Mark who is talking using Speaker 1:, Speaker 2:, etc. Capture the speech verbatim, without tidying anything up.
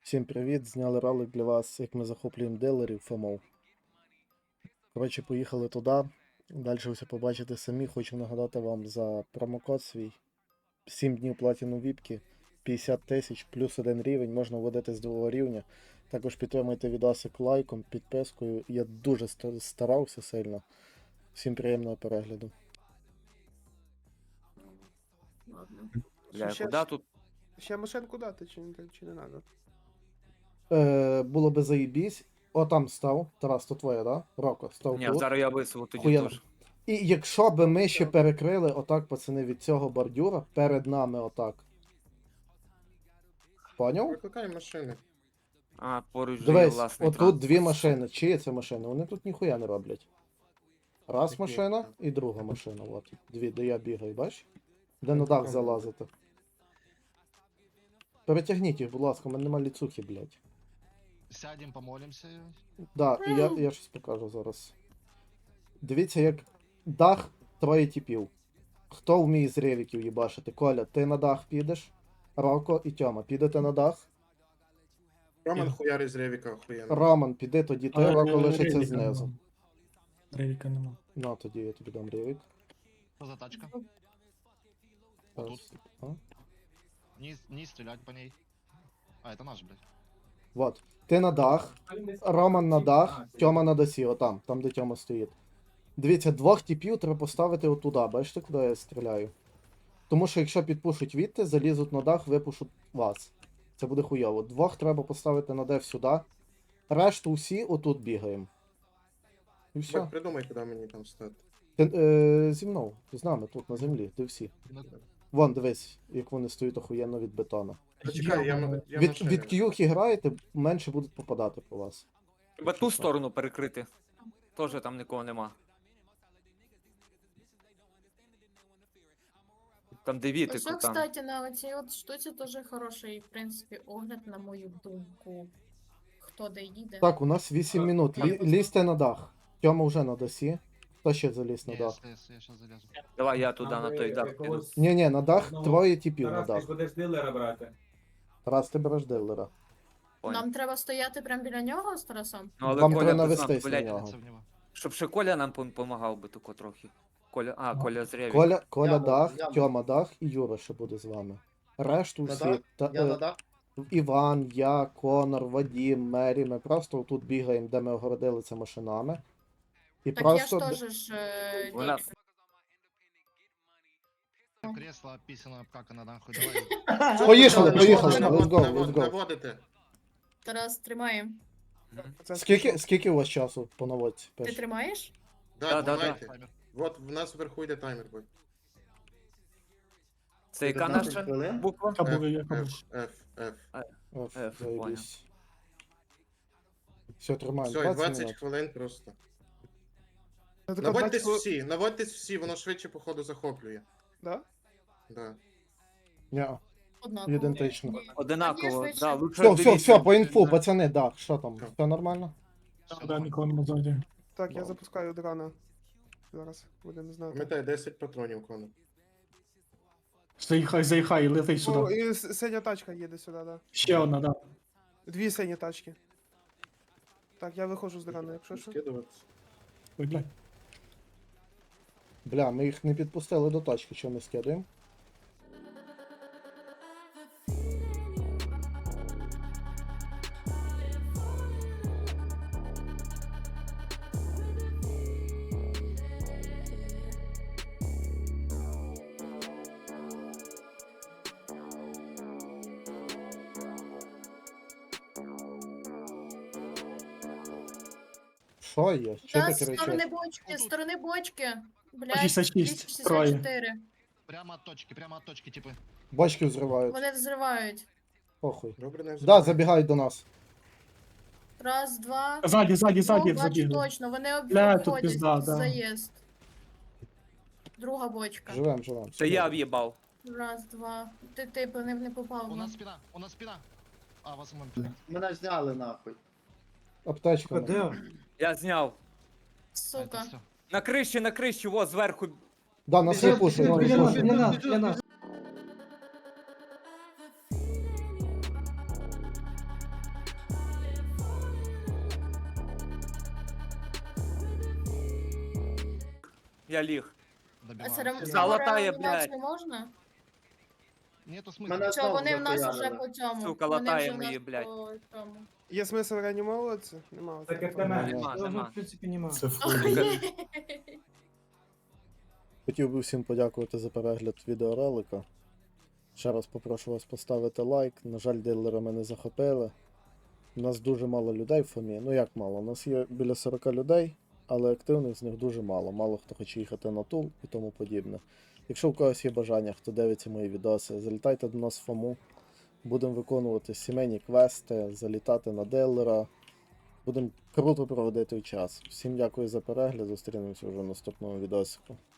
Speaker 1: Всім привіт! Зняли ролик для вас, як ми захоплюємо дилерів ФОМО. Коротше, поїхали туди. Далі ви все побачите самі. Хочу нагадати вам за промокод свій. сім днів платіну віпки, п'ятдесят тисяч, плюс один рівень, можна вводити з другого рівня. Також підтримуйте відосик лайком, підпискою. Я дуже ста- старався сильно. Всім приємного перегляду.
Speaker 2: Ладно.
Speaker 3: Бля,
Speaker 2: Ще-
Speaker 3: куда тут?
Speaker 2: Ще машинку дати, чи не, чи не надо?
Speaker 1: Е, було би заїбісь. О, там став. Тарас, то твоє, да? Роко, став
Speaker 3: Ні,
Speaker 1: тут.
Speaker 3: зараз я висову тоді
Speaker 1: Хуєнно.
Speaker 3: теж.
Speaker 1: І якщо би ми ще перекрили отак, пацани, від цього бордюра, перед нами отак. Поняв?
Speaker 2: Викликай машини.
Speaker 3: А, поруч же є
Speaker 1: Дивись,
Speaker 3: власний
Speaker 1: отут
Speaker 3: транспорт.
Speaker 1: дві машини. Чиї це машини? Вони тут ніхуя не роблять. Раз
Speaker 2: Які?
Speaker 1: машина і друга машина. От. Дві, де я бігаю, бач? Де на дах залазити. Перетягніть їх, будь ласка, у мене нема ліцухи, блядь.
Speaker 4: Сядем, помолимся.
Speaker 1: Да, і я, я щось покажу зараз. Дивіться, як дах троє типів. Хто вміє з ревіків їбашити? Коля, ти на дах підеш? Роко і Тьома, підете на дах?
Speaker 2: Роман хуяри з Ревіка охуєнно.
Speaker 1: Роман, піди тоді, ти,
Speaker 5: Але
Speaker 1: Роко
Speaker 5: Ревіка
Speaker 1: лишиться
Speaker 5: нема.
Speaker 1: знизу.
Speaker 5: Ревіка нема.
Speaker 1: Ну, тоді я тобі дам ревік.
Speaker 4: Что за тачка?
Speaker 1: Раз.
Speaker 4: Тут.
Speaker 1: А?
Speaker 4: Не, не стрелять по ней. А, это наш, блядь.
Speaker 1: Вот. Ти на дах, Роман на дах, Тьома на досі, отам, там де Тьома стоїть. Дивіться, двох типів треба поставити отуда, бачите, куди я стріляю? Тому що якщо підпушуть відти, залізуть на дах, випушуть вас. Це буде хуйово. Двох треба поставити на деф сюди. Решту всі отут бігаємо. І все.
Speaker 2: Бать, придумай, куди мені там стати.
Speaker 1: Ти, е, зі мною, з нами тут на землі, ти всі.
Speaker 4: Ну,
Speaker 1: Вон, дивись, як вони стоять охуєнно від бетона.
Speaker 2: Почекай, я, м- я
Speaker 1: Від,
Speaker 2: машини.
Speaker 1: від к'юхи граєте, менше будуть попадати по вас.
Speaker 3: Треба ту сторону перекрити. Тоже там нікого нема. Там де
Speaker 6: Ось,
Speaker 3: вітику, там.
Speaker 6: кстати, на цій от штуці теж хороший, в принципі, огляд, на мою думку. Хто де їде.
Speaker 1: Так, у нас вісім минут. Лі, лізьте на дах. Тьома вже на досі. Хто ще заліз на
Speaker 4: не,
Speaker 1: дах?
Speaker 4: я, я сейчас залезу.
Speaker 3: Давай я туди на той дах піду.
Speaker 1: Ні, ні, на дах
Speaker 7: Ну,
Speaker 1: троє типів на
Speaker 7: Тарас, ти
Speaker 1: дах.
Speaker 7: будеш дилера брати.
Speaker 1: Раз ти береш дилера.
Speaker 3: Понял.
Speaker 6: Нам треба стояти прямо біля нього з Тарасом?
Speaker 3: Ну, але
Speaker 1: Вам
Speaker 3: Коля
Speaker 1: треба
Speaker 3: без нас,
Speaker 1: навестись на
Speaker 3: блядь,
Speaker 1: нього.
Speaker 4: Целься в него.
Speaker 3: щоб ще Коля нам допомагав би тако трохи. Коля, а, Коля з Реві.
Speaker 1: Коля, Коля
Speaker 8: Яму,
Speaker 1: дах,
Speaker 8: яму.
Speaker 1: Тьома дах і Юра ще буде з вами. Решту
Speaker 8: На
Speaker 1: всі.
Speaker 8: дах?
Speaker 1: Та,
Speaker 8: Я
Speaker 1: е,
Speaker 8: на дах.
Speaker 1: Іван, я, Конор, Вадім, Мері. Ми просто тут бігаємо, де ми огородили це машинами. І
Speaker 6: Так
Speaker 1: просто.
Speaker 6: я ж теж ж. е,
Speaker 3: Вона-
Speaker 6: ні.
Speaker 4: Кресло описано, как она нахуй, давай.
Speaker 1: Поїхали,
Speaker 2: Наводити,
Speaker 1: поїхали.
Speaker 2: наводити,
Speaker 1: Let's go, let's
Speaker 2: наводити,
Speaker 1: go.
Speaker 2: Наводити.
Speaker 6: Тарас, тримаємо.
Speaker 1: Скільки, скільки у вас часу по наводці?
Speaker 6: Ти
Speaker 1: Пиш?
Speaker 6: тримаєш?
Speaker 3: Да,
Speaker 2: Да,
Speaker 3: да,
Speaker 2: тримайте.
Speaker 4: Таймер.
Speaker 2: Вот в нас вверху йде таймер. будь.
Speaker 3: Це яка
Speaker 8: п'ятнадцять
Speaker 3: наша
Speaker 8: хвилин?
Speaker 3: буква?
Speaker 5: Яка буде,
Speaker 2: F,
Speaker 5: яка буде?
Speaker 2: F, F, F.
Speaker 1: Оф,
Speaker 3: F,
Speaker 1: заєбісь. Все, тримаємо.
Speaker 2: Все, і
Speaker 1: двадцять
Speaker 2: двадцять
Speaker 1: минут.
Speaker 2: хвилин просто.
Speaker 5: Ну,
Speaker 2: Наводьтесь всі, наводьтесь всі, воно швидше, походу, захоплює.
Speaker 5: Да?
Speaker 2: Да.
Speaker 1: Ні.
Speaker 6: Однаково.
Speaker 1: Ідентично.
Speaker 6: Ні.
Speaker 3: Одинаково,
Speaker 6: швидше.
Speaker 3: да, лучше
Speaker 1: Все, все,
Speaker 3: дивіться.
Speaker 1: все, по інфу, пацани, да, що там? Все нормально?
Speaker 4: Всё
Speaker 5: Да,
Speaker 4: нормально.
Speaker 5: нікого нема ззаді.
Speaker 9: Так, я
Speaker 1: Вау.
Speaker 9: запускаю дрона. Зараз будемо знати.
Speaker 2: Пам'ятай, десять патронів, Конор.
Speaker 5: Заїхай, заїхай, лети
Speaker 9: О,
Speaker 5: сюди.
Speaker 9: і с- синя тачка їде сюди, да.
Speaker 5: Ще одна, да.
Speaker 9: Дві сині тачки. Так, я виходжу з дрона, якщо що.
Speaker 2: Скидуватися.
Speaker 5: Ой, блядь.
Speaker 1: Бля, ми їх не підпустили до точки, що ми скидаємо. Що є? Що
Speaker 6: Та
Speaker 1: ти
Speaker 6: з сторони
Speaker 1: кричиш?
Speaker 6: бочки, з сторони бочки. Блядь,
Speaker 5: шістдесят шість,
Speaker 6: двісті шістдесят чотири.
Speaker 4: Прямо от точки, прямо от точки, типа.
Speaker 1: Бочки взривають.
Speaker 6: Вони взривають.
Speaker 1: Похуй.
Speaker 2: Добре, не
Speaker 1: Да,
Speaker 2: взривай.
Speaker 1: забігають до нас.
Speaker 6: Раз, два.
Speaker 5: Ззаді, ззаді,
Speaker 6: О,
Speaker 5: ззаді
Speaker 6: бачу
Speaker 5: забігли.
Speaker 6: точно, вони
Speaker 5: Бля, тут
Speaker 6: обходять
Speaker 5: пізда, да.
Speaker 6: заїзд. Друга бочка.
Speaker 1: Живем, живем.
Speaker 3: Це я в'їбав.
Speaker 6: Раз, два. Ти, ти по ним не попав.
Speaker 4: У
Speaker 6: ну.
Speaker 4: нас спина, у нас спина. А, вас мы.
Speaker 8: Мене зняли нахуй.
Speaker 1: Аптечка.
Speaker 5: Де?
Speaker 3: Я зняв.
Speaker 6: Сука.
Speaker 4: Все.
Speaker 3: На криші, на криші, во, зверху.
Speaker 1: Да, нас випушують, випушують.
Speaker 8: для нас.
Speaker 3: Я ліг.
Speaker 6: А
Speaker 4: Добиваем.
Speaker 6: серем...
Speaker 3: Залатає,
Speaker 6: реанімацію
Speaker 3: блядь.
Speaker 6: можна?
Speaker 4: Нету
Speaker 7: Мене
Speaker 4: смысла.
Speaker 6: Що
Speaker 7: знову
Speaker 6: вони в нас
Speaker 7: захуярили.
Speaker 6: уже по цьому?
Speaker 3: Сука,
Speaker 6: Вони
Speaker 3: латає
Speaker 6: вже в нас
Speaker 3: мої, блядь.
Speaker 6: по цьому.
Speaker 9: Є смисл реанімовуватися? Нема.
Speaker 5: Так як
Speaker 9: Це-
Speaker 5: на мене.
Speaker 3: Нема,
Speaker 5: Я вже,
Speaker 3: нема.
Speaker 5: в принципі, нема.
Speaker 1: Це фу.
Speaker 6: Охуєть.
Speaker 1: Хотів би всім подякувати за перегляд відеоролика. Ще раз попрошу вас поставити лайк. На жаль, дилери мене захопили. У нас дуже мало людей в Фомі. Ну як мало? У нас є біля сорок людей, але активних з них дуже мало. Мало хто хоче їхати на тул і тому подібне. Якщо у когось є бажання, хто дивиться мої відоси, залітайте до нас в Фому. Будемо виконувати сімейні квести, залітати на дилера. Будемо круто проводити час. Всім дякую за перегляд. Зустрінемося вже в наступному відосику.